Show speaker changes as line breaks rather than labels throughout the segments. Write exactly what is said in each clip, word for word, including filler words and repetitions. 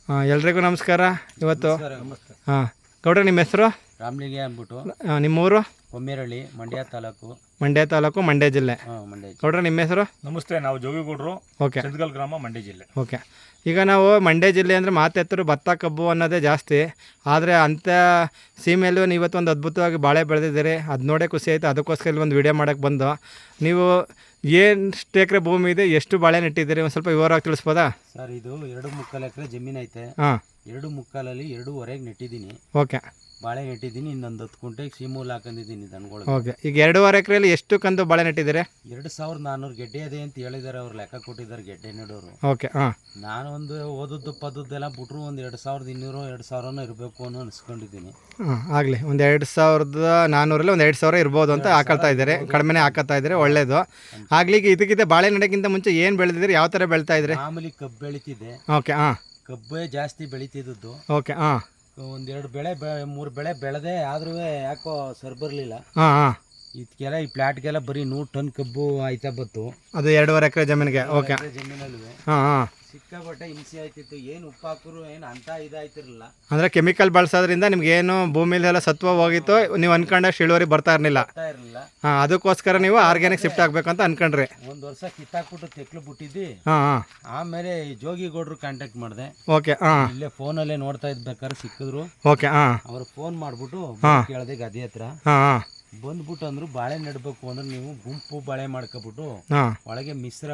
ಹಾಂ, ಎಲ್ರಿಗೂ ನಮಸ್ಕಾರ. ಇವತ್ತು
ನಮಸ್ತೆ.
ಹಾಂ ಗೌಡ್ರೆ, ನಿಮ್ಮ ಹೆಸರು?
ರಾಮಲಿಂಗೆ ಅಂದ್ಬಿಟ್ಟು
ಹಾಂ, ನಿಮ್ಮೂರು?
ಕೊಮ್ಮೇರಳ್ಳಿ, ಮಂಡ್ಯ ತಾಲೂಕು.
ಮಂಡ್ಯ ತಾಲೂಕು, ಮಂಡ್ಯ ಜಿಲ್ಲೆ.
ಹಾಂ, ಮಂಡ್ಯ.
ಗೌಡ್ರೆ, ನಿಮ್ಮ ಹೆಸರು?
ನಮಸ್ತೆ, ನಾವು ಜೋಗಿಗೌಡರು,
ಓಕೆ.
ಚಂದಗಲ್ ಗ್ರಾಮ, ಮಂಡ್ಯ ಜಿಲ್ಲೆ.
ಓಕೆ. ಈಗ ನಾವು ಮಂಡ್ಯ ಜಿಲ್ಲೆ ಅಂದರೆ ಮಾತೆತ್ತರು ಭತ್ತ ಕಬ್ಬು ಅನ್ನೋದೇ ಜಾಸ್ತಿ. ಆದರೆ ಅಂಥ ಸೀಮೆಯಲ್ಲೂ ನೀವು ಇವತ್ತು ಒಂದು ಅದ್ಭುತವಾಗಿ ಬಾಳೆ ಬೆಳೆದಿದ್ದೀರಿ. ಅದು ನೋಡೇ ಖುಷಿ ಆಯಿತು. ಅದಕ್ಕೋಸ್ಕರ ಇಲ್ಲಿ ಒಂದು ವಿಡಿಯೋ ಮಾಡೋಕ್ಕೆ ಬಂದು, ನೀವು ಎಷ್ಟು ಎಕರೆ ಭೂಮಿ ಇದೆ, ಎಷ್ಟು ಬಾಳೆ ನೆಟ್ಟಿದ್ದೀರಿ, ಒಂದು ಸ್ವಲ್ಪ ವಿವರವಾಗಿ ತಿಳಿಸ್ಬೋದಾ?
ಸರ್, ಇದು ಎರಡು ಮುಕ್ಕಾಲು ಎಕರೆ ಜಮೀನು ಐತೆ.
ಹಾಂ.
ಎರಡು ಮುಕ್ಕಾಲಲ್ಲಿ ಎರಡೂವರೆಗೆ ನೆಟ್ಟಿದ್ದೀನಿ.
ಓಕೆ.
ಬಾಳೆ ನೆಟ್ಟಿದ್ದೀನಿ. ಇನ್ನೊಂದು ಹತ್ತು ಕುಂಟೆಗೆ ಸೀಮೂಲ್ ಹಾಕೊಂಡಿದ್ದೀನಿ ದನಗಳು.
ಓಕೆ. ಈಗ ಎರಡೂವರೆ ಎಕರೆಯಲ್ಲಿ ಎಷ್ಟು ಕಂದು ಬಾಳೆ ನೆಟ್ಟಿದ್ದೀರಿ?
ಎರಡು ಸಾವಿರದ ನಾನ್ನೂರು ಗೆಡ್ಡೆ ಇದೆ ಅಂತ ಹೇಳಿದ್ದಾರೆ. ಅವ್ರು ಲೆಕ್ಕ ಕೊಟ್ಟಿದ್ದಾರೆ ಗೆಡ್ಡೆ ನೆಡೋರು.
ಓಕೆ. ಹಾಂ.
ನಾನು ಒಂದು ಓದದ್ದು ಪದದ್ದೆಲ್ಲ ಬಿಟ್ರು ಒಂದು ಎರಡು ಸಾವಿರದ ಇನ್ನೂರು ಎರಡು ಸಾವಿರನೂ ಇರಬೇಕು ಅನ್ನೋ ಅನಿಸ್ಕೊಂಡಿದ್ದೀನಿ.
ಹಾಂ, ಆಗಲಿ. ಒಂದು ಎರಡು ಸಾವಿರದ ನಾನ್ನೂರಲ್ಲಿ ಒಂದು ಎರಡು ಸಾವಿರ ಇರ್ಬೋದು ಅಂತ ಹಾಕೊಳ್ತಾ ಇದ್ದಾರೆ. ಕಡಿಮೆನೇ ಹಾಕೋತಾ ಇದ್ದಾರೆ, ಒಳ್ಳೇದು ಆಗಲಿ. ಈಗ ಇದಕ್ಕಿಂತ ಬಾಳೆ ನೆಡೋಕ್ಕಿಂತ ಮುಂಚೆ ಏನು ಬೆಳೆದಿದ್ದೀರಿ, ಯಾವ ಥರ ಬೆಳೀತಾ ಇದ್ರಿ?
ಮಾಮೂಲಿ ಕಬ್ಬು ಬೆಳೀತಿದ್ದೆ.
ಓಕೆ. ಹಾಂ.
ಕಬ್ಬೇ ಜಾಸ್ತಿ ಬೆಳೀತಿದ್ದದ್ದು.
ಓಕೆ. ಹಾಂ.
ಒಂದೆರಡು ಬೆಳೆ ಬೆ ಮೂರು ಬೆಳೆ ಬೆಳೆದೆ, ಆದ್ರೂ ಯಾಕೋ ಸರ್ ಬರಲಿಲ್ಲ.
ಹಾಂ ಹಾಂ
ಇದಕ್ಕೆಲ್ಲ ಈ ಪ್ಲಾಟ್ಗೆಲ್ಲ ಬರೀ ನೂರು ಟನ್ ಕಬ್ಬು ಆಯ್ತಾ ಬತ್ತು.
ಅದು ಎರಡೂವರೆ ಎಕರೆ ಜಮೀನಿಗೆ. ಓಕೆ.
ಜಮೀನಲ್ವೇ
ಹಾಂ ಹಾಂ
ಸಿಕ್ಕಾಪಟ್ಟೆ ಹಿಂಸೆ ಆಯ್ತಿತ್ತು. ಏನು ಉಪ್ಪು ಹಾಕಿದ್ರು ಏನು ಅಂತ ಇದಾಯ್ತಿರಲಿಲ್ಲ.
ಅಂದರೆ ಕೆಮಿಕಲ್ ಬಳಸೋದ್ರಿಂದ ನಿಮ್ಗೆ ಏನು ಭೂಮಿಲೆಲ್ಲ ಸತ್ವ ಹೋಗಿತ್ತು, ನೀವು ಅನ್ಕೊಂಡಷ್ಟು ಇಳುವರಿ ಬರ್ತಾ ಇರಲಿಲ್ಲ.
ಬರ್ತಾ ಇರಲಿಲ್ಲ.
ಹಾಂ, ಅದಕ್ಕೋಸ್ಕರ ನೀವು ಆರ್ಗ್ಯಾನಿಕ್ ಶಿಫ್ಟ್ ಆಗಬೇಕು ಅಂತ ಅನ್ಕೊಂಡ್ರಿ.
ಒಂದು ವರ್ಷ ಕಿತ್ತಾಕ್ಬಿಟ್ಟು ತೆಕ್ಲು ಬಿಟ್ಟಿದ್ದಿ.
ಹಾಂ ಹಾಂ
ಆಮೇಲೆ ಜೋಗಿಗೌಡ್ರು ಕಾಂಟ್ಯಾಕ್ಟ್ ಮಾಡಿದೆ.
ಓಕೆ. ಹಾಂ.
ಇಲ್ಲೇ ಫೋನಲ್ಲೇ ನೋಡ್ತಾ ಇದ್ಬೇಕಾದ್ರೆ ಸಿಕ್ಕಿದ್ರು.
ಓಕೆ. ಹಾಂ.
ಅವ್ರು ಫೋನ್ ಮಾಡಿಬಿಟ್ಟು ಕೇಳಿದೆ ಗದ್ದೆ ಹತ್ರ.
ಹಾಂ ಹಾಂ
ಬಂದ್ಬಿಟ್ಟು ಅಂದ್ರು, ಬಾಳೆ ನೆಡಬೇಕು ಅಂದ್ರೆ ನೀವು ಗುಂಪು ಬಾಳೆ ಮಾಡ್ಕೊಬಿಟ್ಟು
ಹಾಂ
ಒಳಗೆ ಮಿಶ್ರ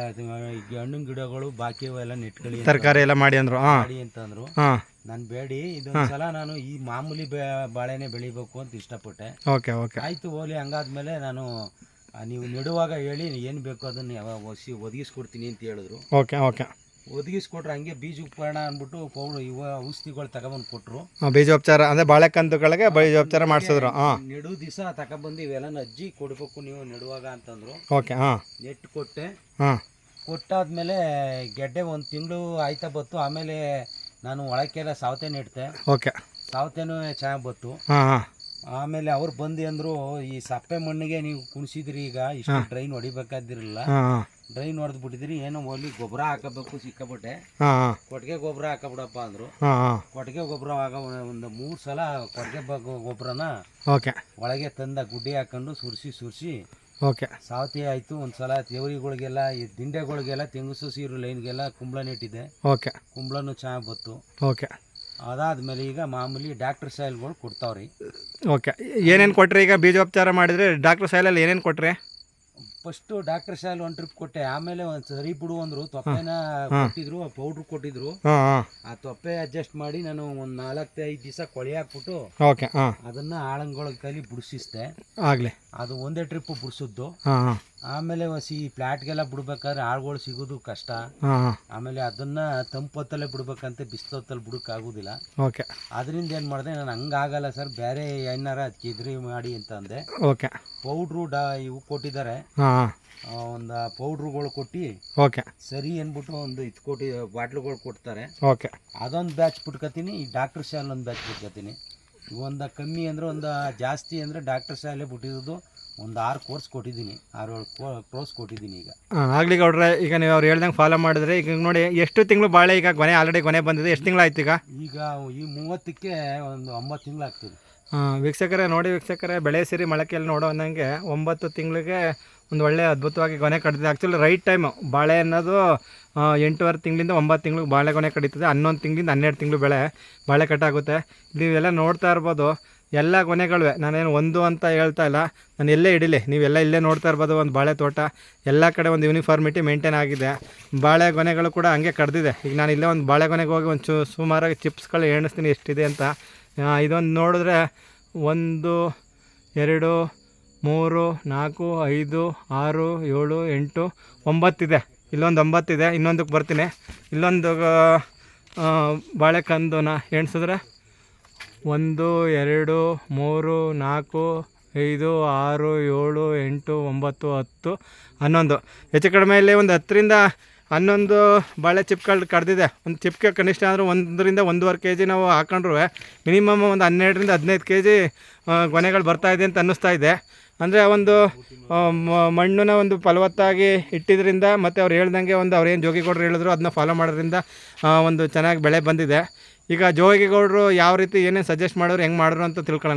ಹಣ್ಣಿನ ಗಿಡಗಳು ಬಾಕಿ ಎಲ್ಲ ನೆಟ್ಕೊಳ್ಳಿ,
ತರಕಾರಿ ಎಲ್ಲ ಮಾಡಿ ಅಂದರು. ಹಾಂ
ಮಾಡಿ ಅಂತಂದ್ರು.
ಹಾಂ.
ನಾನು ಬೇಡಿ, ಇದೊಂದ್ಸಲ ನಾನು ಈ ಮಾಮೂಲಿ ಬೆ ಬಾಳೆನೆ ಬೆಳಿಬೇಕು ಅಂತ ಇಷ್ಟಪಟ್ಟೆ.
ಓಕೆ. ಓಕೆ.
ಆಯ್ತು ಹೋಲಿ. ಹಂಗಾದ್ಮೇಲೆ ನಾನು ಆ, ನೀವು ನೆಡುವಾಗ ಹೇಳಿ ಏನು ಬೇಕೋ ಅದನ್ನು ಯಾವ ಒಸಿ ಒದಗಿಸ್ಕೊಡ್ತೀನಿ ಅಂತ ಹೇಳಿದ್ರು.
ಓಕೆ. ಓಕೆ.
ಒದಗಿಸ್ಕೊಟ್ರೆ ಹಂಗೆ ಬೀಜ ಉಪಕರಣ ಅಂದ್ಬಿಟ್ಟು ಪೌಡ್ರು ಇವ ಔಷಧಿಗಳು ತಗೊಬಂದು ಕೊಟ್ಟರು.
ಬೀಜೋಪಚಾರ ಅಂದರೆ ಬಾಳೆಕಂದುಗಳಿಗೆ ಬೀಜೋಪಚಾರ ಮಾಡಿಸಿದ್ರು. ಹಾಂ.
ನೆಡು ದಿವಸ ತಗೊಬಂದು ಇವೆಲ್ಲ ಅಜ್ಜಿ ಕೊಡಬೇಕು ನೀವು ನೆಡುವಾಗ ಅಂತಂದ್ರು.
ಓಕೆ. ಹಾಂ.
ನೆಟ್ಟು ಕೊಟ್ಟೆ.
ಹಾಂ.
ಕೊಟ್ಟಾದ್ಮೇಲೆ ಗೆಡ್ಡೆ ಒಂದು ತಿಂಗಳು ಆಯ್ತಾ ಬತ್ತು. ಆಮೇಲೆ ನಾನು ಒಳಕ್ಕೆಲ್ಲ ಸಾವತೆ ನೆಡ್ತೆ.
ಓಕೆ.
ಸಾವತೆನೂ ಚೆನ್ನಾಗಿ ಬತ್ತು.
ಹಾಂ ಹಾಂ
ಆಮೇಲೆ ಅವ್ರು ಬಂದು ಅಂದರು, ಈ ಸಪ್ಪೆ ಮಣ್ಣಿಗೆ ನೀವು ಕುಣಿಸಿದ್ರಿ, ಈಗ ಇಷ್ಟು ಡ್ರೈನ್ ಹೊಡಿಬೇಕಾದಿರಲಿಲ್ಲ,
ಹಾಂ ಹಾಂ
ಡ್ರೈನ್ ಹೊಡೆದು ಬಿಟ್ಟಿದ್ರಿ, ಏನೋ ಒಲಿ ಗೊಬ್ಬರ ಹಾಕಬೇಕು ಸಿಕ್ಕಾಬಿಟ್ಟೆ,
ಹಾಂ ಹಾಂ
ಕೊಟ್ಟಿಗೆ ಗೊಬ್ಬರ ಹಾಕಬಿಡಪ್ಪ ಅಂದರು.
ಹಾಂ ಹಾಂ
ಕೊಟ್ಟಿಗೆ ಗೊಬ್ಬರ ಆಗ ಒಂದು ಮೂರು ಸಲ ಕೊಟ್ಟಿಗೆ ಗೊಬ್ಬರನ
ಓಕೆ.
ಒಳಗೆ ತಂದ ಗುಡ್ಡೆ ಹಾಕೊಂಡು ಸುರಿಸಿ ಸುರಿಸಿ
ಓಕೆ.
ಸಾವತಿ ಆಯಿತು. ಒಂದು ಸಲ ತೇವರಿಗಳಿಗೆಲ್ಲ ಈ ದಿಂಡೆಗಳಿಗೆಲ್ಲ ತೆಂಗುಸು ಸೀರು ಲೈನ್ಗೆಲ್ಲ ಕುಂಬಳ ನೆಟ್ಟಿದೆ.
ಓಕೆ.
ಕುಂಬಳನೂ ಚೆನ್ನಾಗಿ ಬತ್ತು.
ಓಕೆ.
ಅದಾದಮೇಲೆ ಈಗ ಮಾಮೂಲಿ ಡಾಕ್ಟರ್ ಸಾಯಿಲ್ಗಳು ಕೊಡ್ತಾವ್ರಿ.
ಓಕೆ. ಏನೇನು ಕೊಟ್ರಿ ಈಗ ಬೀಜೋಪಚಾರ ಮಾಡಿದ್ರೆ? ಡಾಕ್ಟರ್ ಸಾಯಿಲಲ್ಲಿ ಏನೇನು ಕೊಟ್ರಿ?
ಫಸ್ಟು ಡಾಕ್ಟರ್ ಸಾಯಿಲ್ ಒಂದು ಟ್ರಿಪ್ ಕೊಟ್ಟೆ. ಆಮೇಲೆ ಒಂದು ಸರಿ ಬಿಡು ಅಂದರು. ತೊಪ್ಪೆನ ಕೊಟ್ಟಿದ್ರು, ಪೌಡ್ರ್ ಕೊಟ್ಟಿದ್ರು.
ಹಾಂ ಹಾಂ
ಆ ತೊಪ್ಪೆ ಅಡ್ಜಸ್ಟ್ ಮಾಡಿ ನಾನು ಒಂದು ನಾಲ್ಕು ಐದು ದಿವಸ ಕೊಳೆ ಹಾಕ್ಬಿಟ್ಟು
ಓಕೆ. ಹಾಂ.
ಅದನ್ನು ಆಳಂಗಳ ಕೈಲಿ ಬಿಡಿಸಿಸ್ದೆ.
ಆಗಲಿ.
ಅದು ಒಂದೇ ಟ್ರಿಪ್ಪು ಬಿಡಿಸಿದ್ದು.
ಹಾಂ ಹಾಂ
ಆಮೇಲೆ ಹೊಸಿ ಪ್ಲಾಟ್ಗೆಲ್ಲ ಬಿಡ್ಬೇಕಾದ್ರೆ ಆಳುಗಳು ಸಿಗೋದು ಕಷ್ಟ.
ಹಾಂ ಹಾಂ
ಆಮೇಲೆ ಅದನ್ನು ತಂಪೊತ್ತಲ್ಲೇ ಬಿಡ್ಬೇಕಂತ ಬಿಸಿಲೊತ್ತಲ್ಲಿ ಬಿಡೋಕ್ಕಾಗೋದಿಲ್ಲ.
ಓಕೆ.
ಅದರಿಂದ ಏನು ಮಾಡಿದೆ, ನಾನು ಹಂಗಾಗಲ್ಲ ಸರ್, ಬೇರೆ ಏನಾರ ಅದಕ್ಕೆ ಇದ್ರಿ ಮಾಡಿ ಅಂತ ಅಂದೆ.
ಓಕೆ.
ಪೌಡ್ರು ಡಾ ಇವು ಕೊಟ್ಟಿದ್ದಾರೆ.
ಹಾಂ ಹಾಂ
ಒಂದು ಪೌಡ್ರುಗಳು ಕೊಟ್ಟು
ಓಕೆ.
ಸರಿ ಅಂದ್ಬಿಟ್ಟು ಒಂದು ಇದು ಕೊಟ್ಟು ಬಾಟ್ಲುಗಳು ಕೊಡ್ತಾರೆ.
ಓಕೆ.
ಅದೊಂದು ಬ್ಯಾಚ್ ಬಿಟ್ಕೊತೀನಿ. ಈ ಡಾಕ್ಟರ್ ಶಾಲ್ ಒಂದು ಬ್ಯಾಚ್ ಬಿಟ್ಕೊತೀನಿ. ಒಂದು ಕಮ್ಮಿ ಅಂದರೆ ಒಂದು ಜಾಸ್ತಿ ಅಂದರೆ ಡಾಕ್ಟರ್ ಶಾಲೆ ಬಿಟ್ಟಿರೋದು ಒಂದು ಆರು ಕೋರ್ಸ್ ಕೊಟ್ಟಿದ್ದೀನಿ, ಆರು ಏಳು ಕೋರ್ಸ್ ಕೊಟ್ಟಿದ್ದೀನಿ ಈಗ.
ಹಾಂ, ಆಗಲಿ ಗೌಡ್ರೆ. ಈಗ ನೀವು ಅವ್ರು ಹೇಳ್ದಂಗೆ ಫಾಲೋ ಮಾಡಿದ್ರೆ ಈಗ ನೋಡಿ ಎಷ್ಟು ತಿಂಗಳು ಬಾಳೆ ಈಗ ಕೊನೆ ಆಲ್ರೆಡಿ ಕೊನೆ ಬಂದಿದೆ. ಎಷ್ಟು ತಿಂಗಳಾಯ್ತು ಈಗ?
ಈಗ ಈ ಮೂವತ್ತಕ್ಕೆ ಒಂದು ಒಂಬತ್ತು ತಿಂಗಳು ಆಗ್ತದೆ.
ಹಾಂ, ವೀಕ್ಷಕರೇ ನೋಡಿ, ವೀಕ್ಷಕರೇ ಬೆಳೆ ಸಿರಿ ಮೊಳಕೆಯಲ್ಲಿ ನೋಡೋ ಅನ್ನಂಗೆ ಒಂಬತ್ತು ತಿಂಗಳಿಗೆ ಒಂದು ಒಳ್ಳೆ ಅದ್ಭುತವಾಗಿ ಗೊನೆ ಕಟ್ಟಿದೆ. ಆ್ಯಕ್ಚುಲಿ ರೈಟ್ ಟೈಮು ಬಾಳೆ ಅನ್ನೋದು ಎಂಟೂವರೆ ತಿಂಗಳಿಂದ ಒಂಬತ್ತು ತಿಂಗಳಿಗೆ ಬಾಳೆ ಗೊನೆ ಕಡಿತದೆ. ಹನ್ನೊಂದು ತಿಂಗಳಿಂದ ಹನ್ನೆರಡು ತಿಂಗಳು ಬೆಳೆ ಬಾಳೆ ಕಟ್ಟಾಗುತ್ತೆ. ನೀವೆಲ್ಲ ನೋಡ್ತಾ ಇರ್ಬೋದು, ಎಲ್ಲ ಕೊನೆಗಳುವೆ. ನಾನೇನು ಒಂದು ಅಂತ ಹೇಳ್ತಾ ಇಲ್ಲ, ನಾನು ಎಲ್ಲೇ ಇಡೀಲಿ ನೀವೆಲ್ಲ ಇಲ್ಲೇ ನೋಡ್ತಾ ಇರ್ಬೋದು. ಒಂದು ಬಾಳೆ ತೋಟ ಎಲ್ಲ ಕಡೆ ಒಂದು ಯೂನಿಫಾರ್ಮಿಟಿ ಮೇಂಟೈನ್ ಆಗಿದೆ. ಬಾಳೆ ಗೊನೆಗಳು ಕೂಡ ಹಂಗೆ ಕಡ್ದಿದೆ. ಈಗ ನಾನು ಇಲ್ಲೇ ಒಂದು ಬಾಳೆ ಗೊನೆಗೆ ಹೋಗಿ ಒಂದು ಚು ಸುಮಾರಾಗಿ ಚಿಪ್ಸ್ಗಳು ಎಣಿಸ್ತೀನಿ ಎಷ್ಟಿದೆ ಅಂತ. ಇದೊಂದು ನೋಡಿದ್ರೆ ಒಂದು ಎರಡು ಮೂರು ನಾಲ್ಕು ಐದು ಆರು ಏಳು ಎಂಟು ಒಂಬತ್ತಿದೆ. ಇಲ್ಲೊಂದು ಒಂಬತ್ತಿದೆ. ಇನ್ನೊಂದಕ್ಕೆ ಬರ್ತೀನಿ. ಇಲ್ಲೊಂದು ಬಾಳೆಕಂದುನ ಎಣಿಸಿದ್ರೆ ಒಂದು ಎರಡು ಮೂರು ನಾಲ್ಕು ಐದು ಆರು ಏಳು ಎಂಟು ಒಂಬತ್ತು ಹತ್ತು ಹನ್ನೊಂದು, ಹೆಚ್ಚು ಕಡಿಮೆ ಇಲ್ಲಿ ಒಂದು ಹತ್ತರಿಂದ ಹನ್ನೊಂದು ಬಾಳೆ ಚಿಪ್ಗಳು ಕಡ್ದಿದೆ. ಒಂದು ಚಿಪ್ಗೆ ಕನಿಷ್ಠ ಅಂದರೆ ಒಂದರಿಂದ ಒಂದೂವರೆ ಕೆ ಜಿ ನಾವು ಹಾಕೊಂಡ್ರು ಮಿನಿಮಮ್ ಒಂದು ಹನ್ನೆರಡರಿಂದ ಹದಿನೈದು ಕೆ ಜಿ ಗೊನೆಗಳು ಬರ್ತಾಯಿದೆ ಅಂತ ಅನ್ನಿಸ್ತಾ ಇದೆ. ಅಂದರೆ ಒಂದು ಆ, ಮ- ಮಣ್ಣನ್ನ ಒಂದು ಫಲವತ್ತಾಗಿ ಇಟ್ಟಿದ್ರಿಂದ ಮತ್ತು ಅವ್ರು ಹೇಳ್ದಂಗೆ ಒಂದು ಅವ್ರೇನು ಜೋಗಿಗೌಡರು ಹೇಳಿದ್ರು ಅದನ್ನ ಫಾಲೋ ಮಾಡೋದ್ರಿಂದ ಆ, ಒಂದು ಚೆನ್ನಾಗಿ ಬೆಳೆ ಬಂದಿದೆ. ಈಗ ಜೋಗಿಗೌಡರು ಯಾವ ರೀತಿ ಏನೇನು ಸಜೆಸ್ಟ್ ಮಾಡೋರು ಹೆಂಗೆ ಮಾಡಿದ್ರು ಅಂತ ತಿಳ್ಕೊಳ್ಳೋಣ.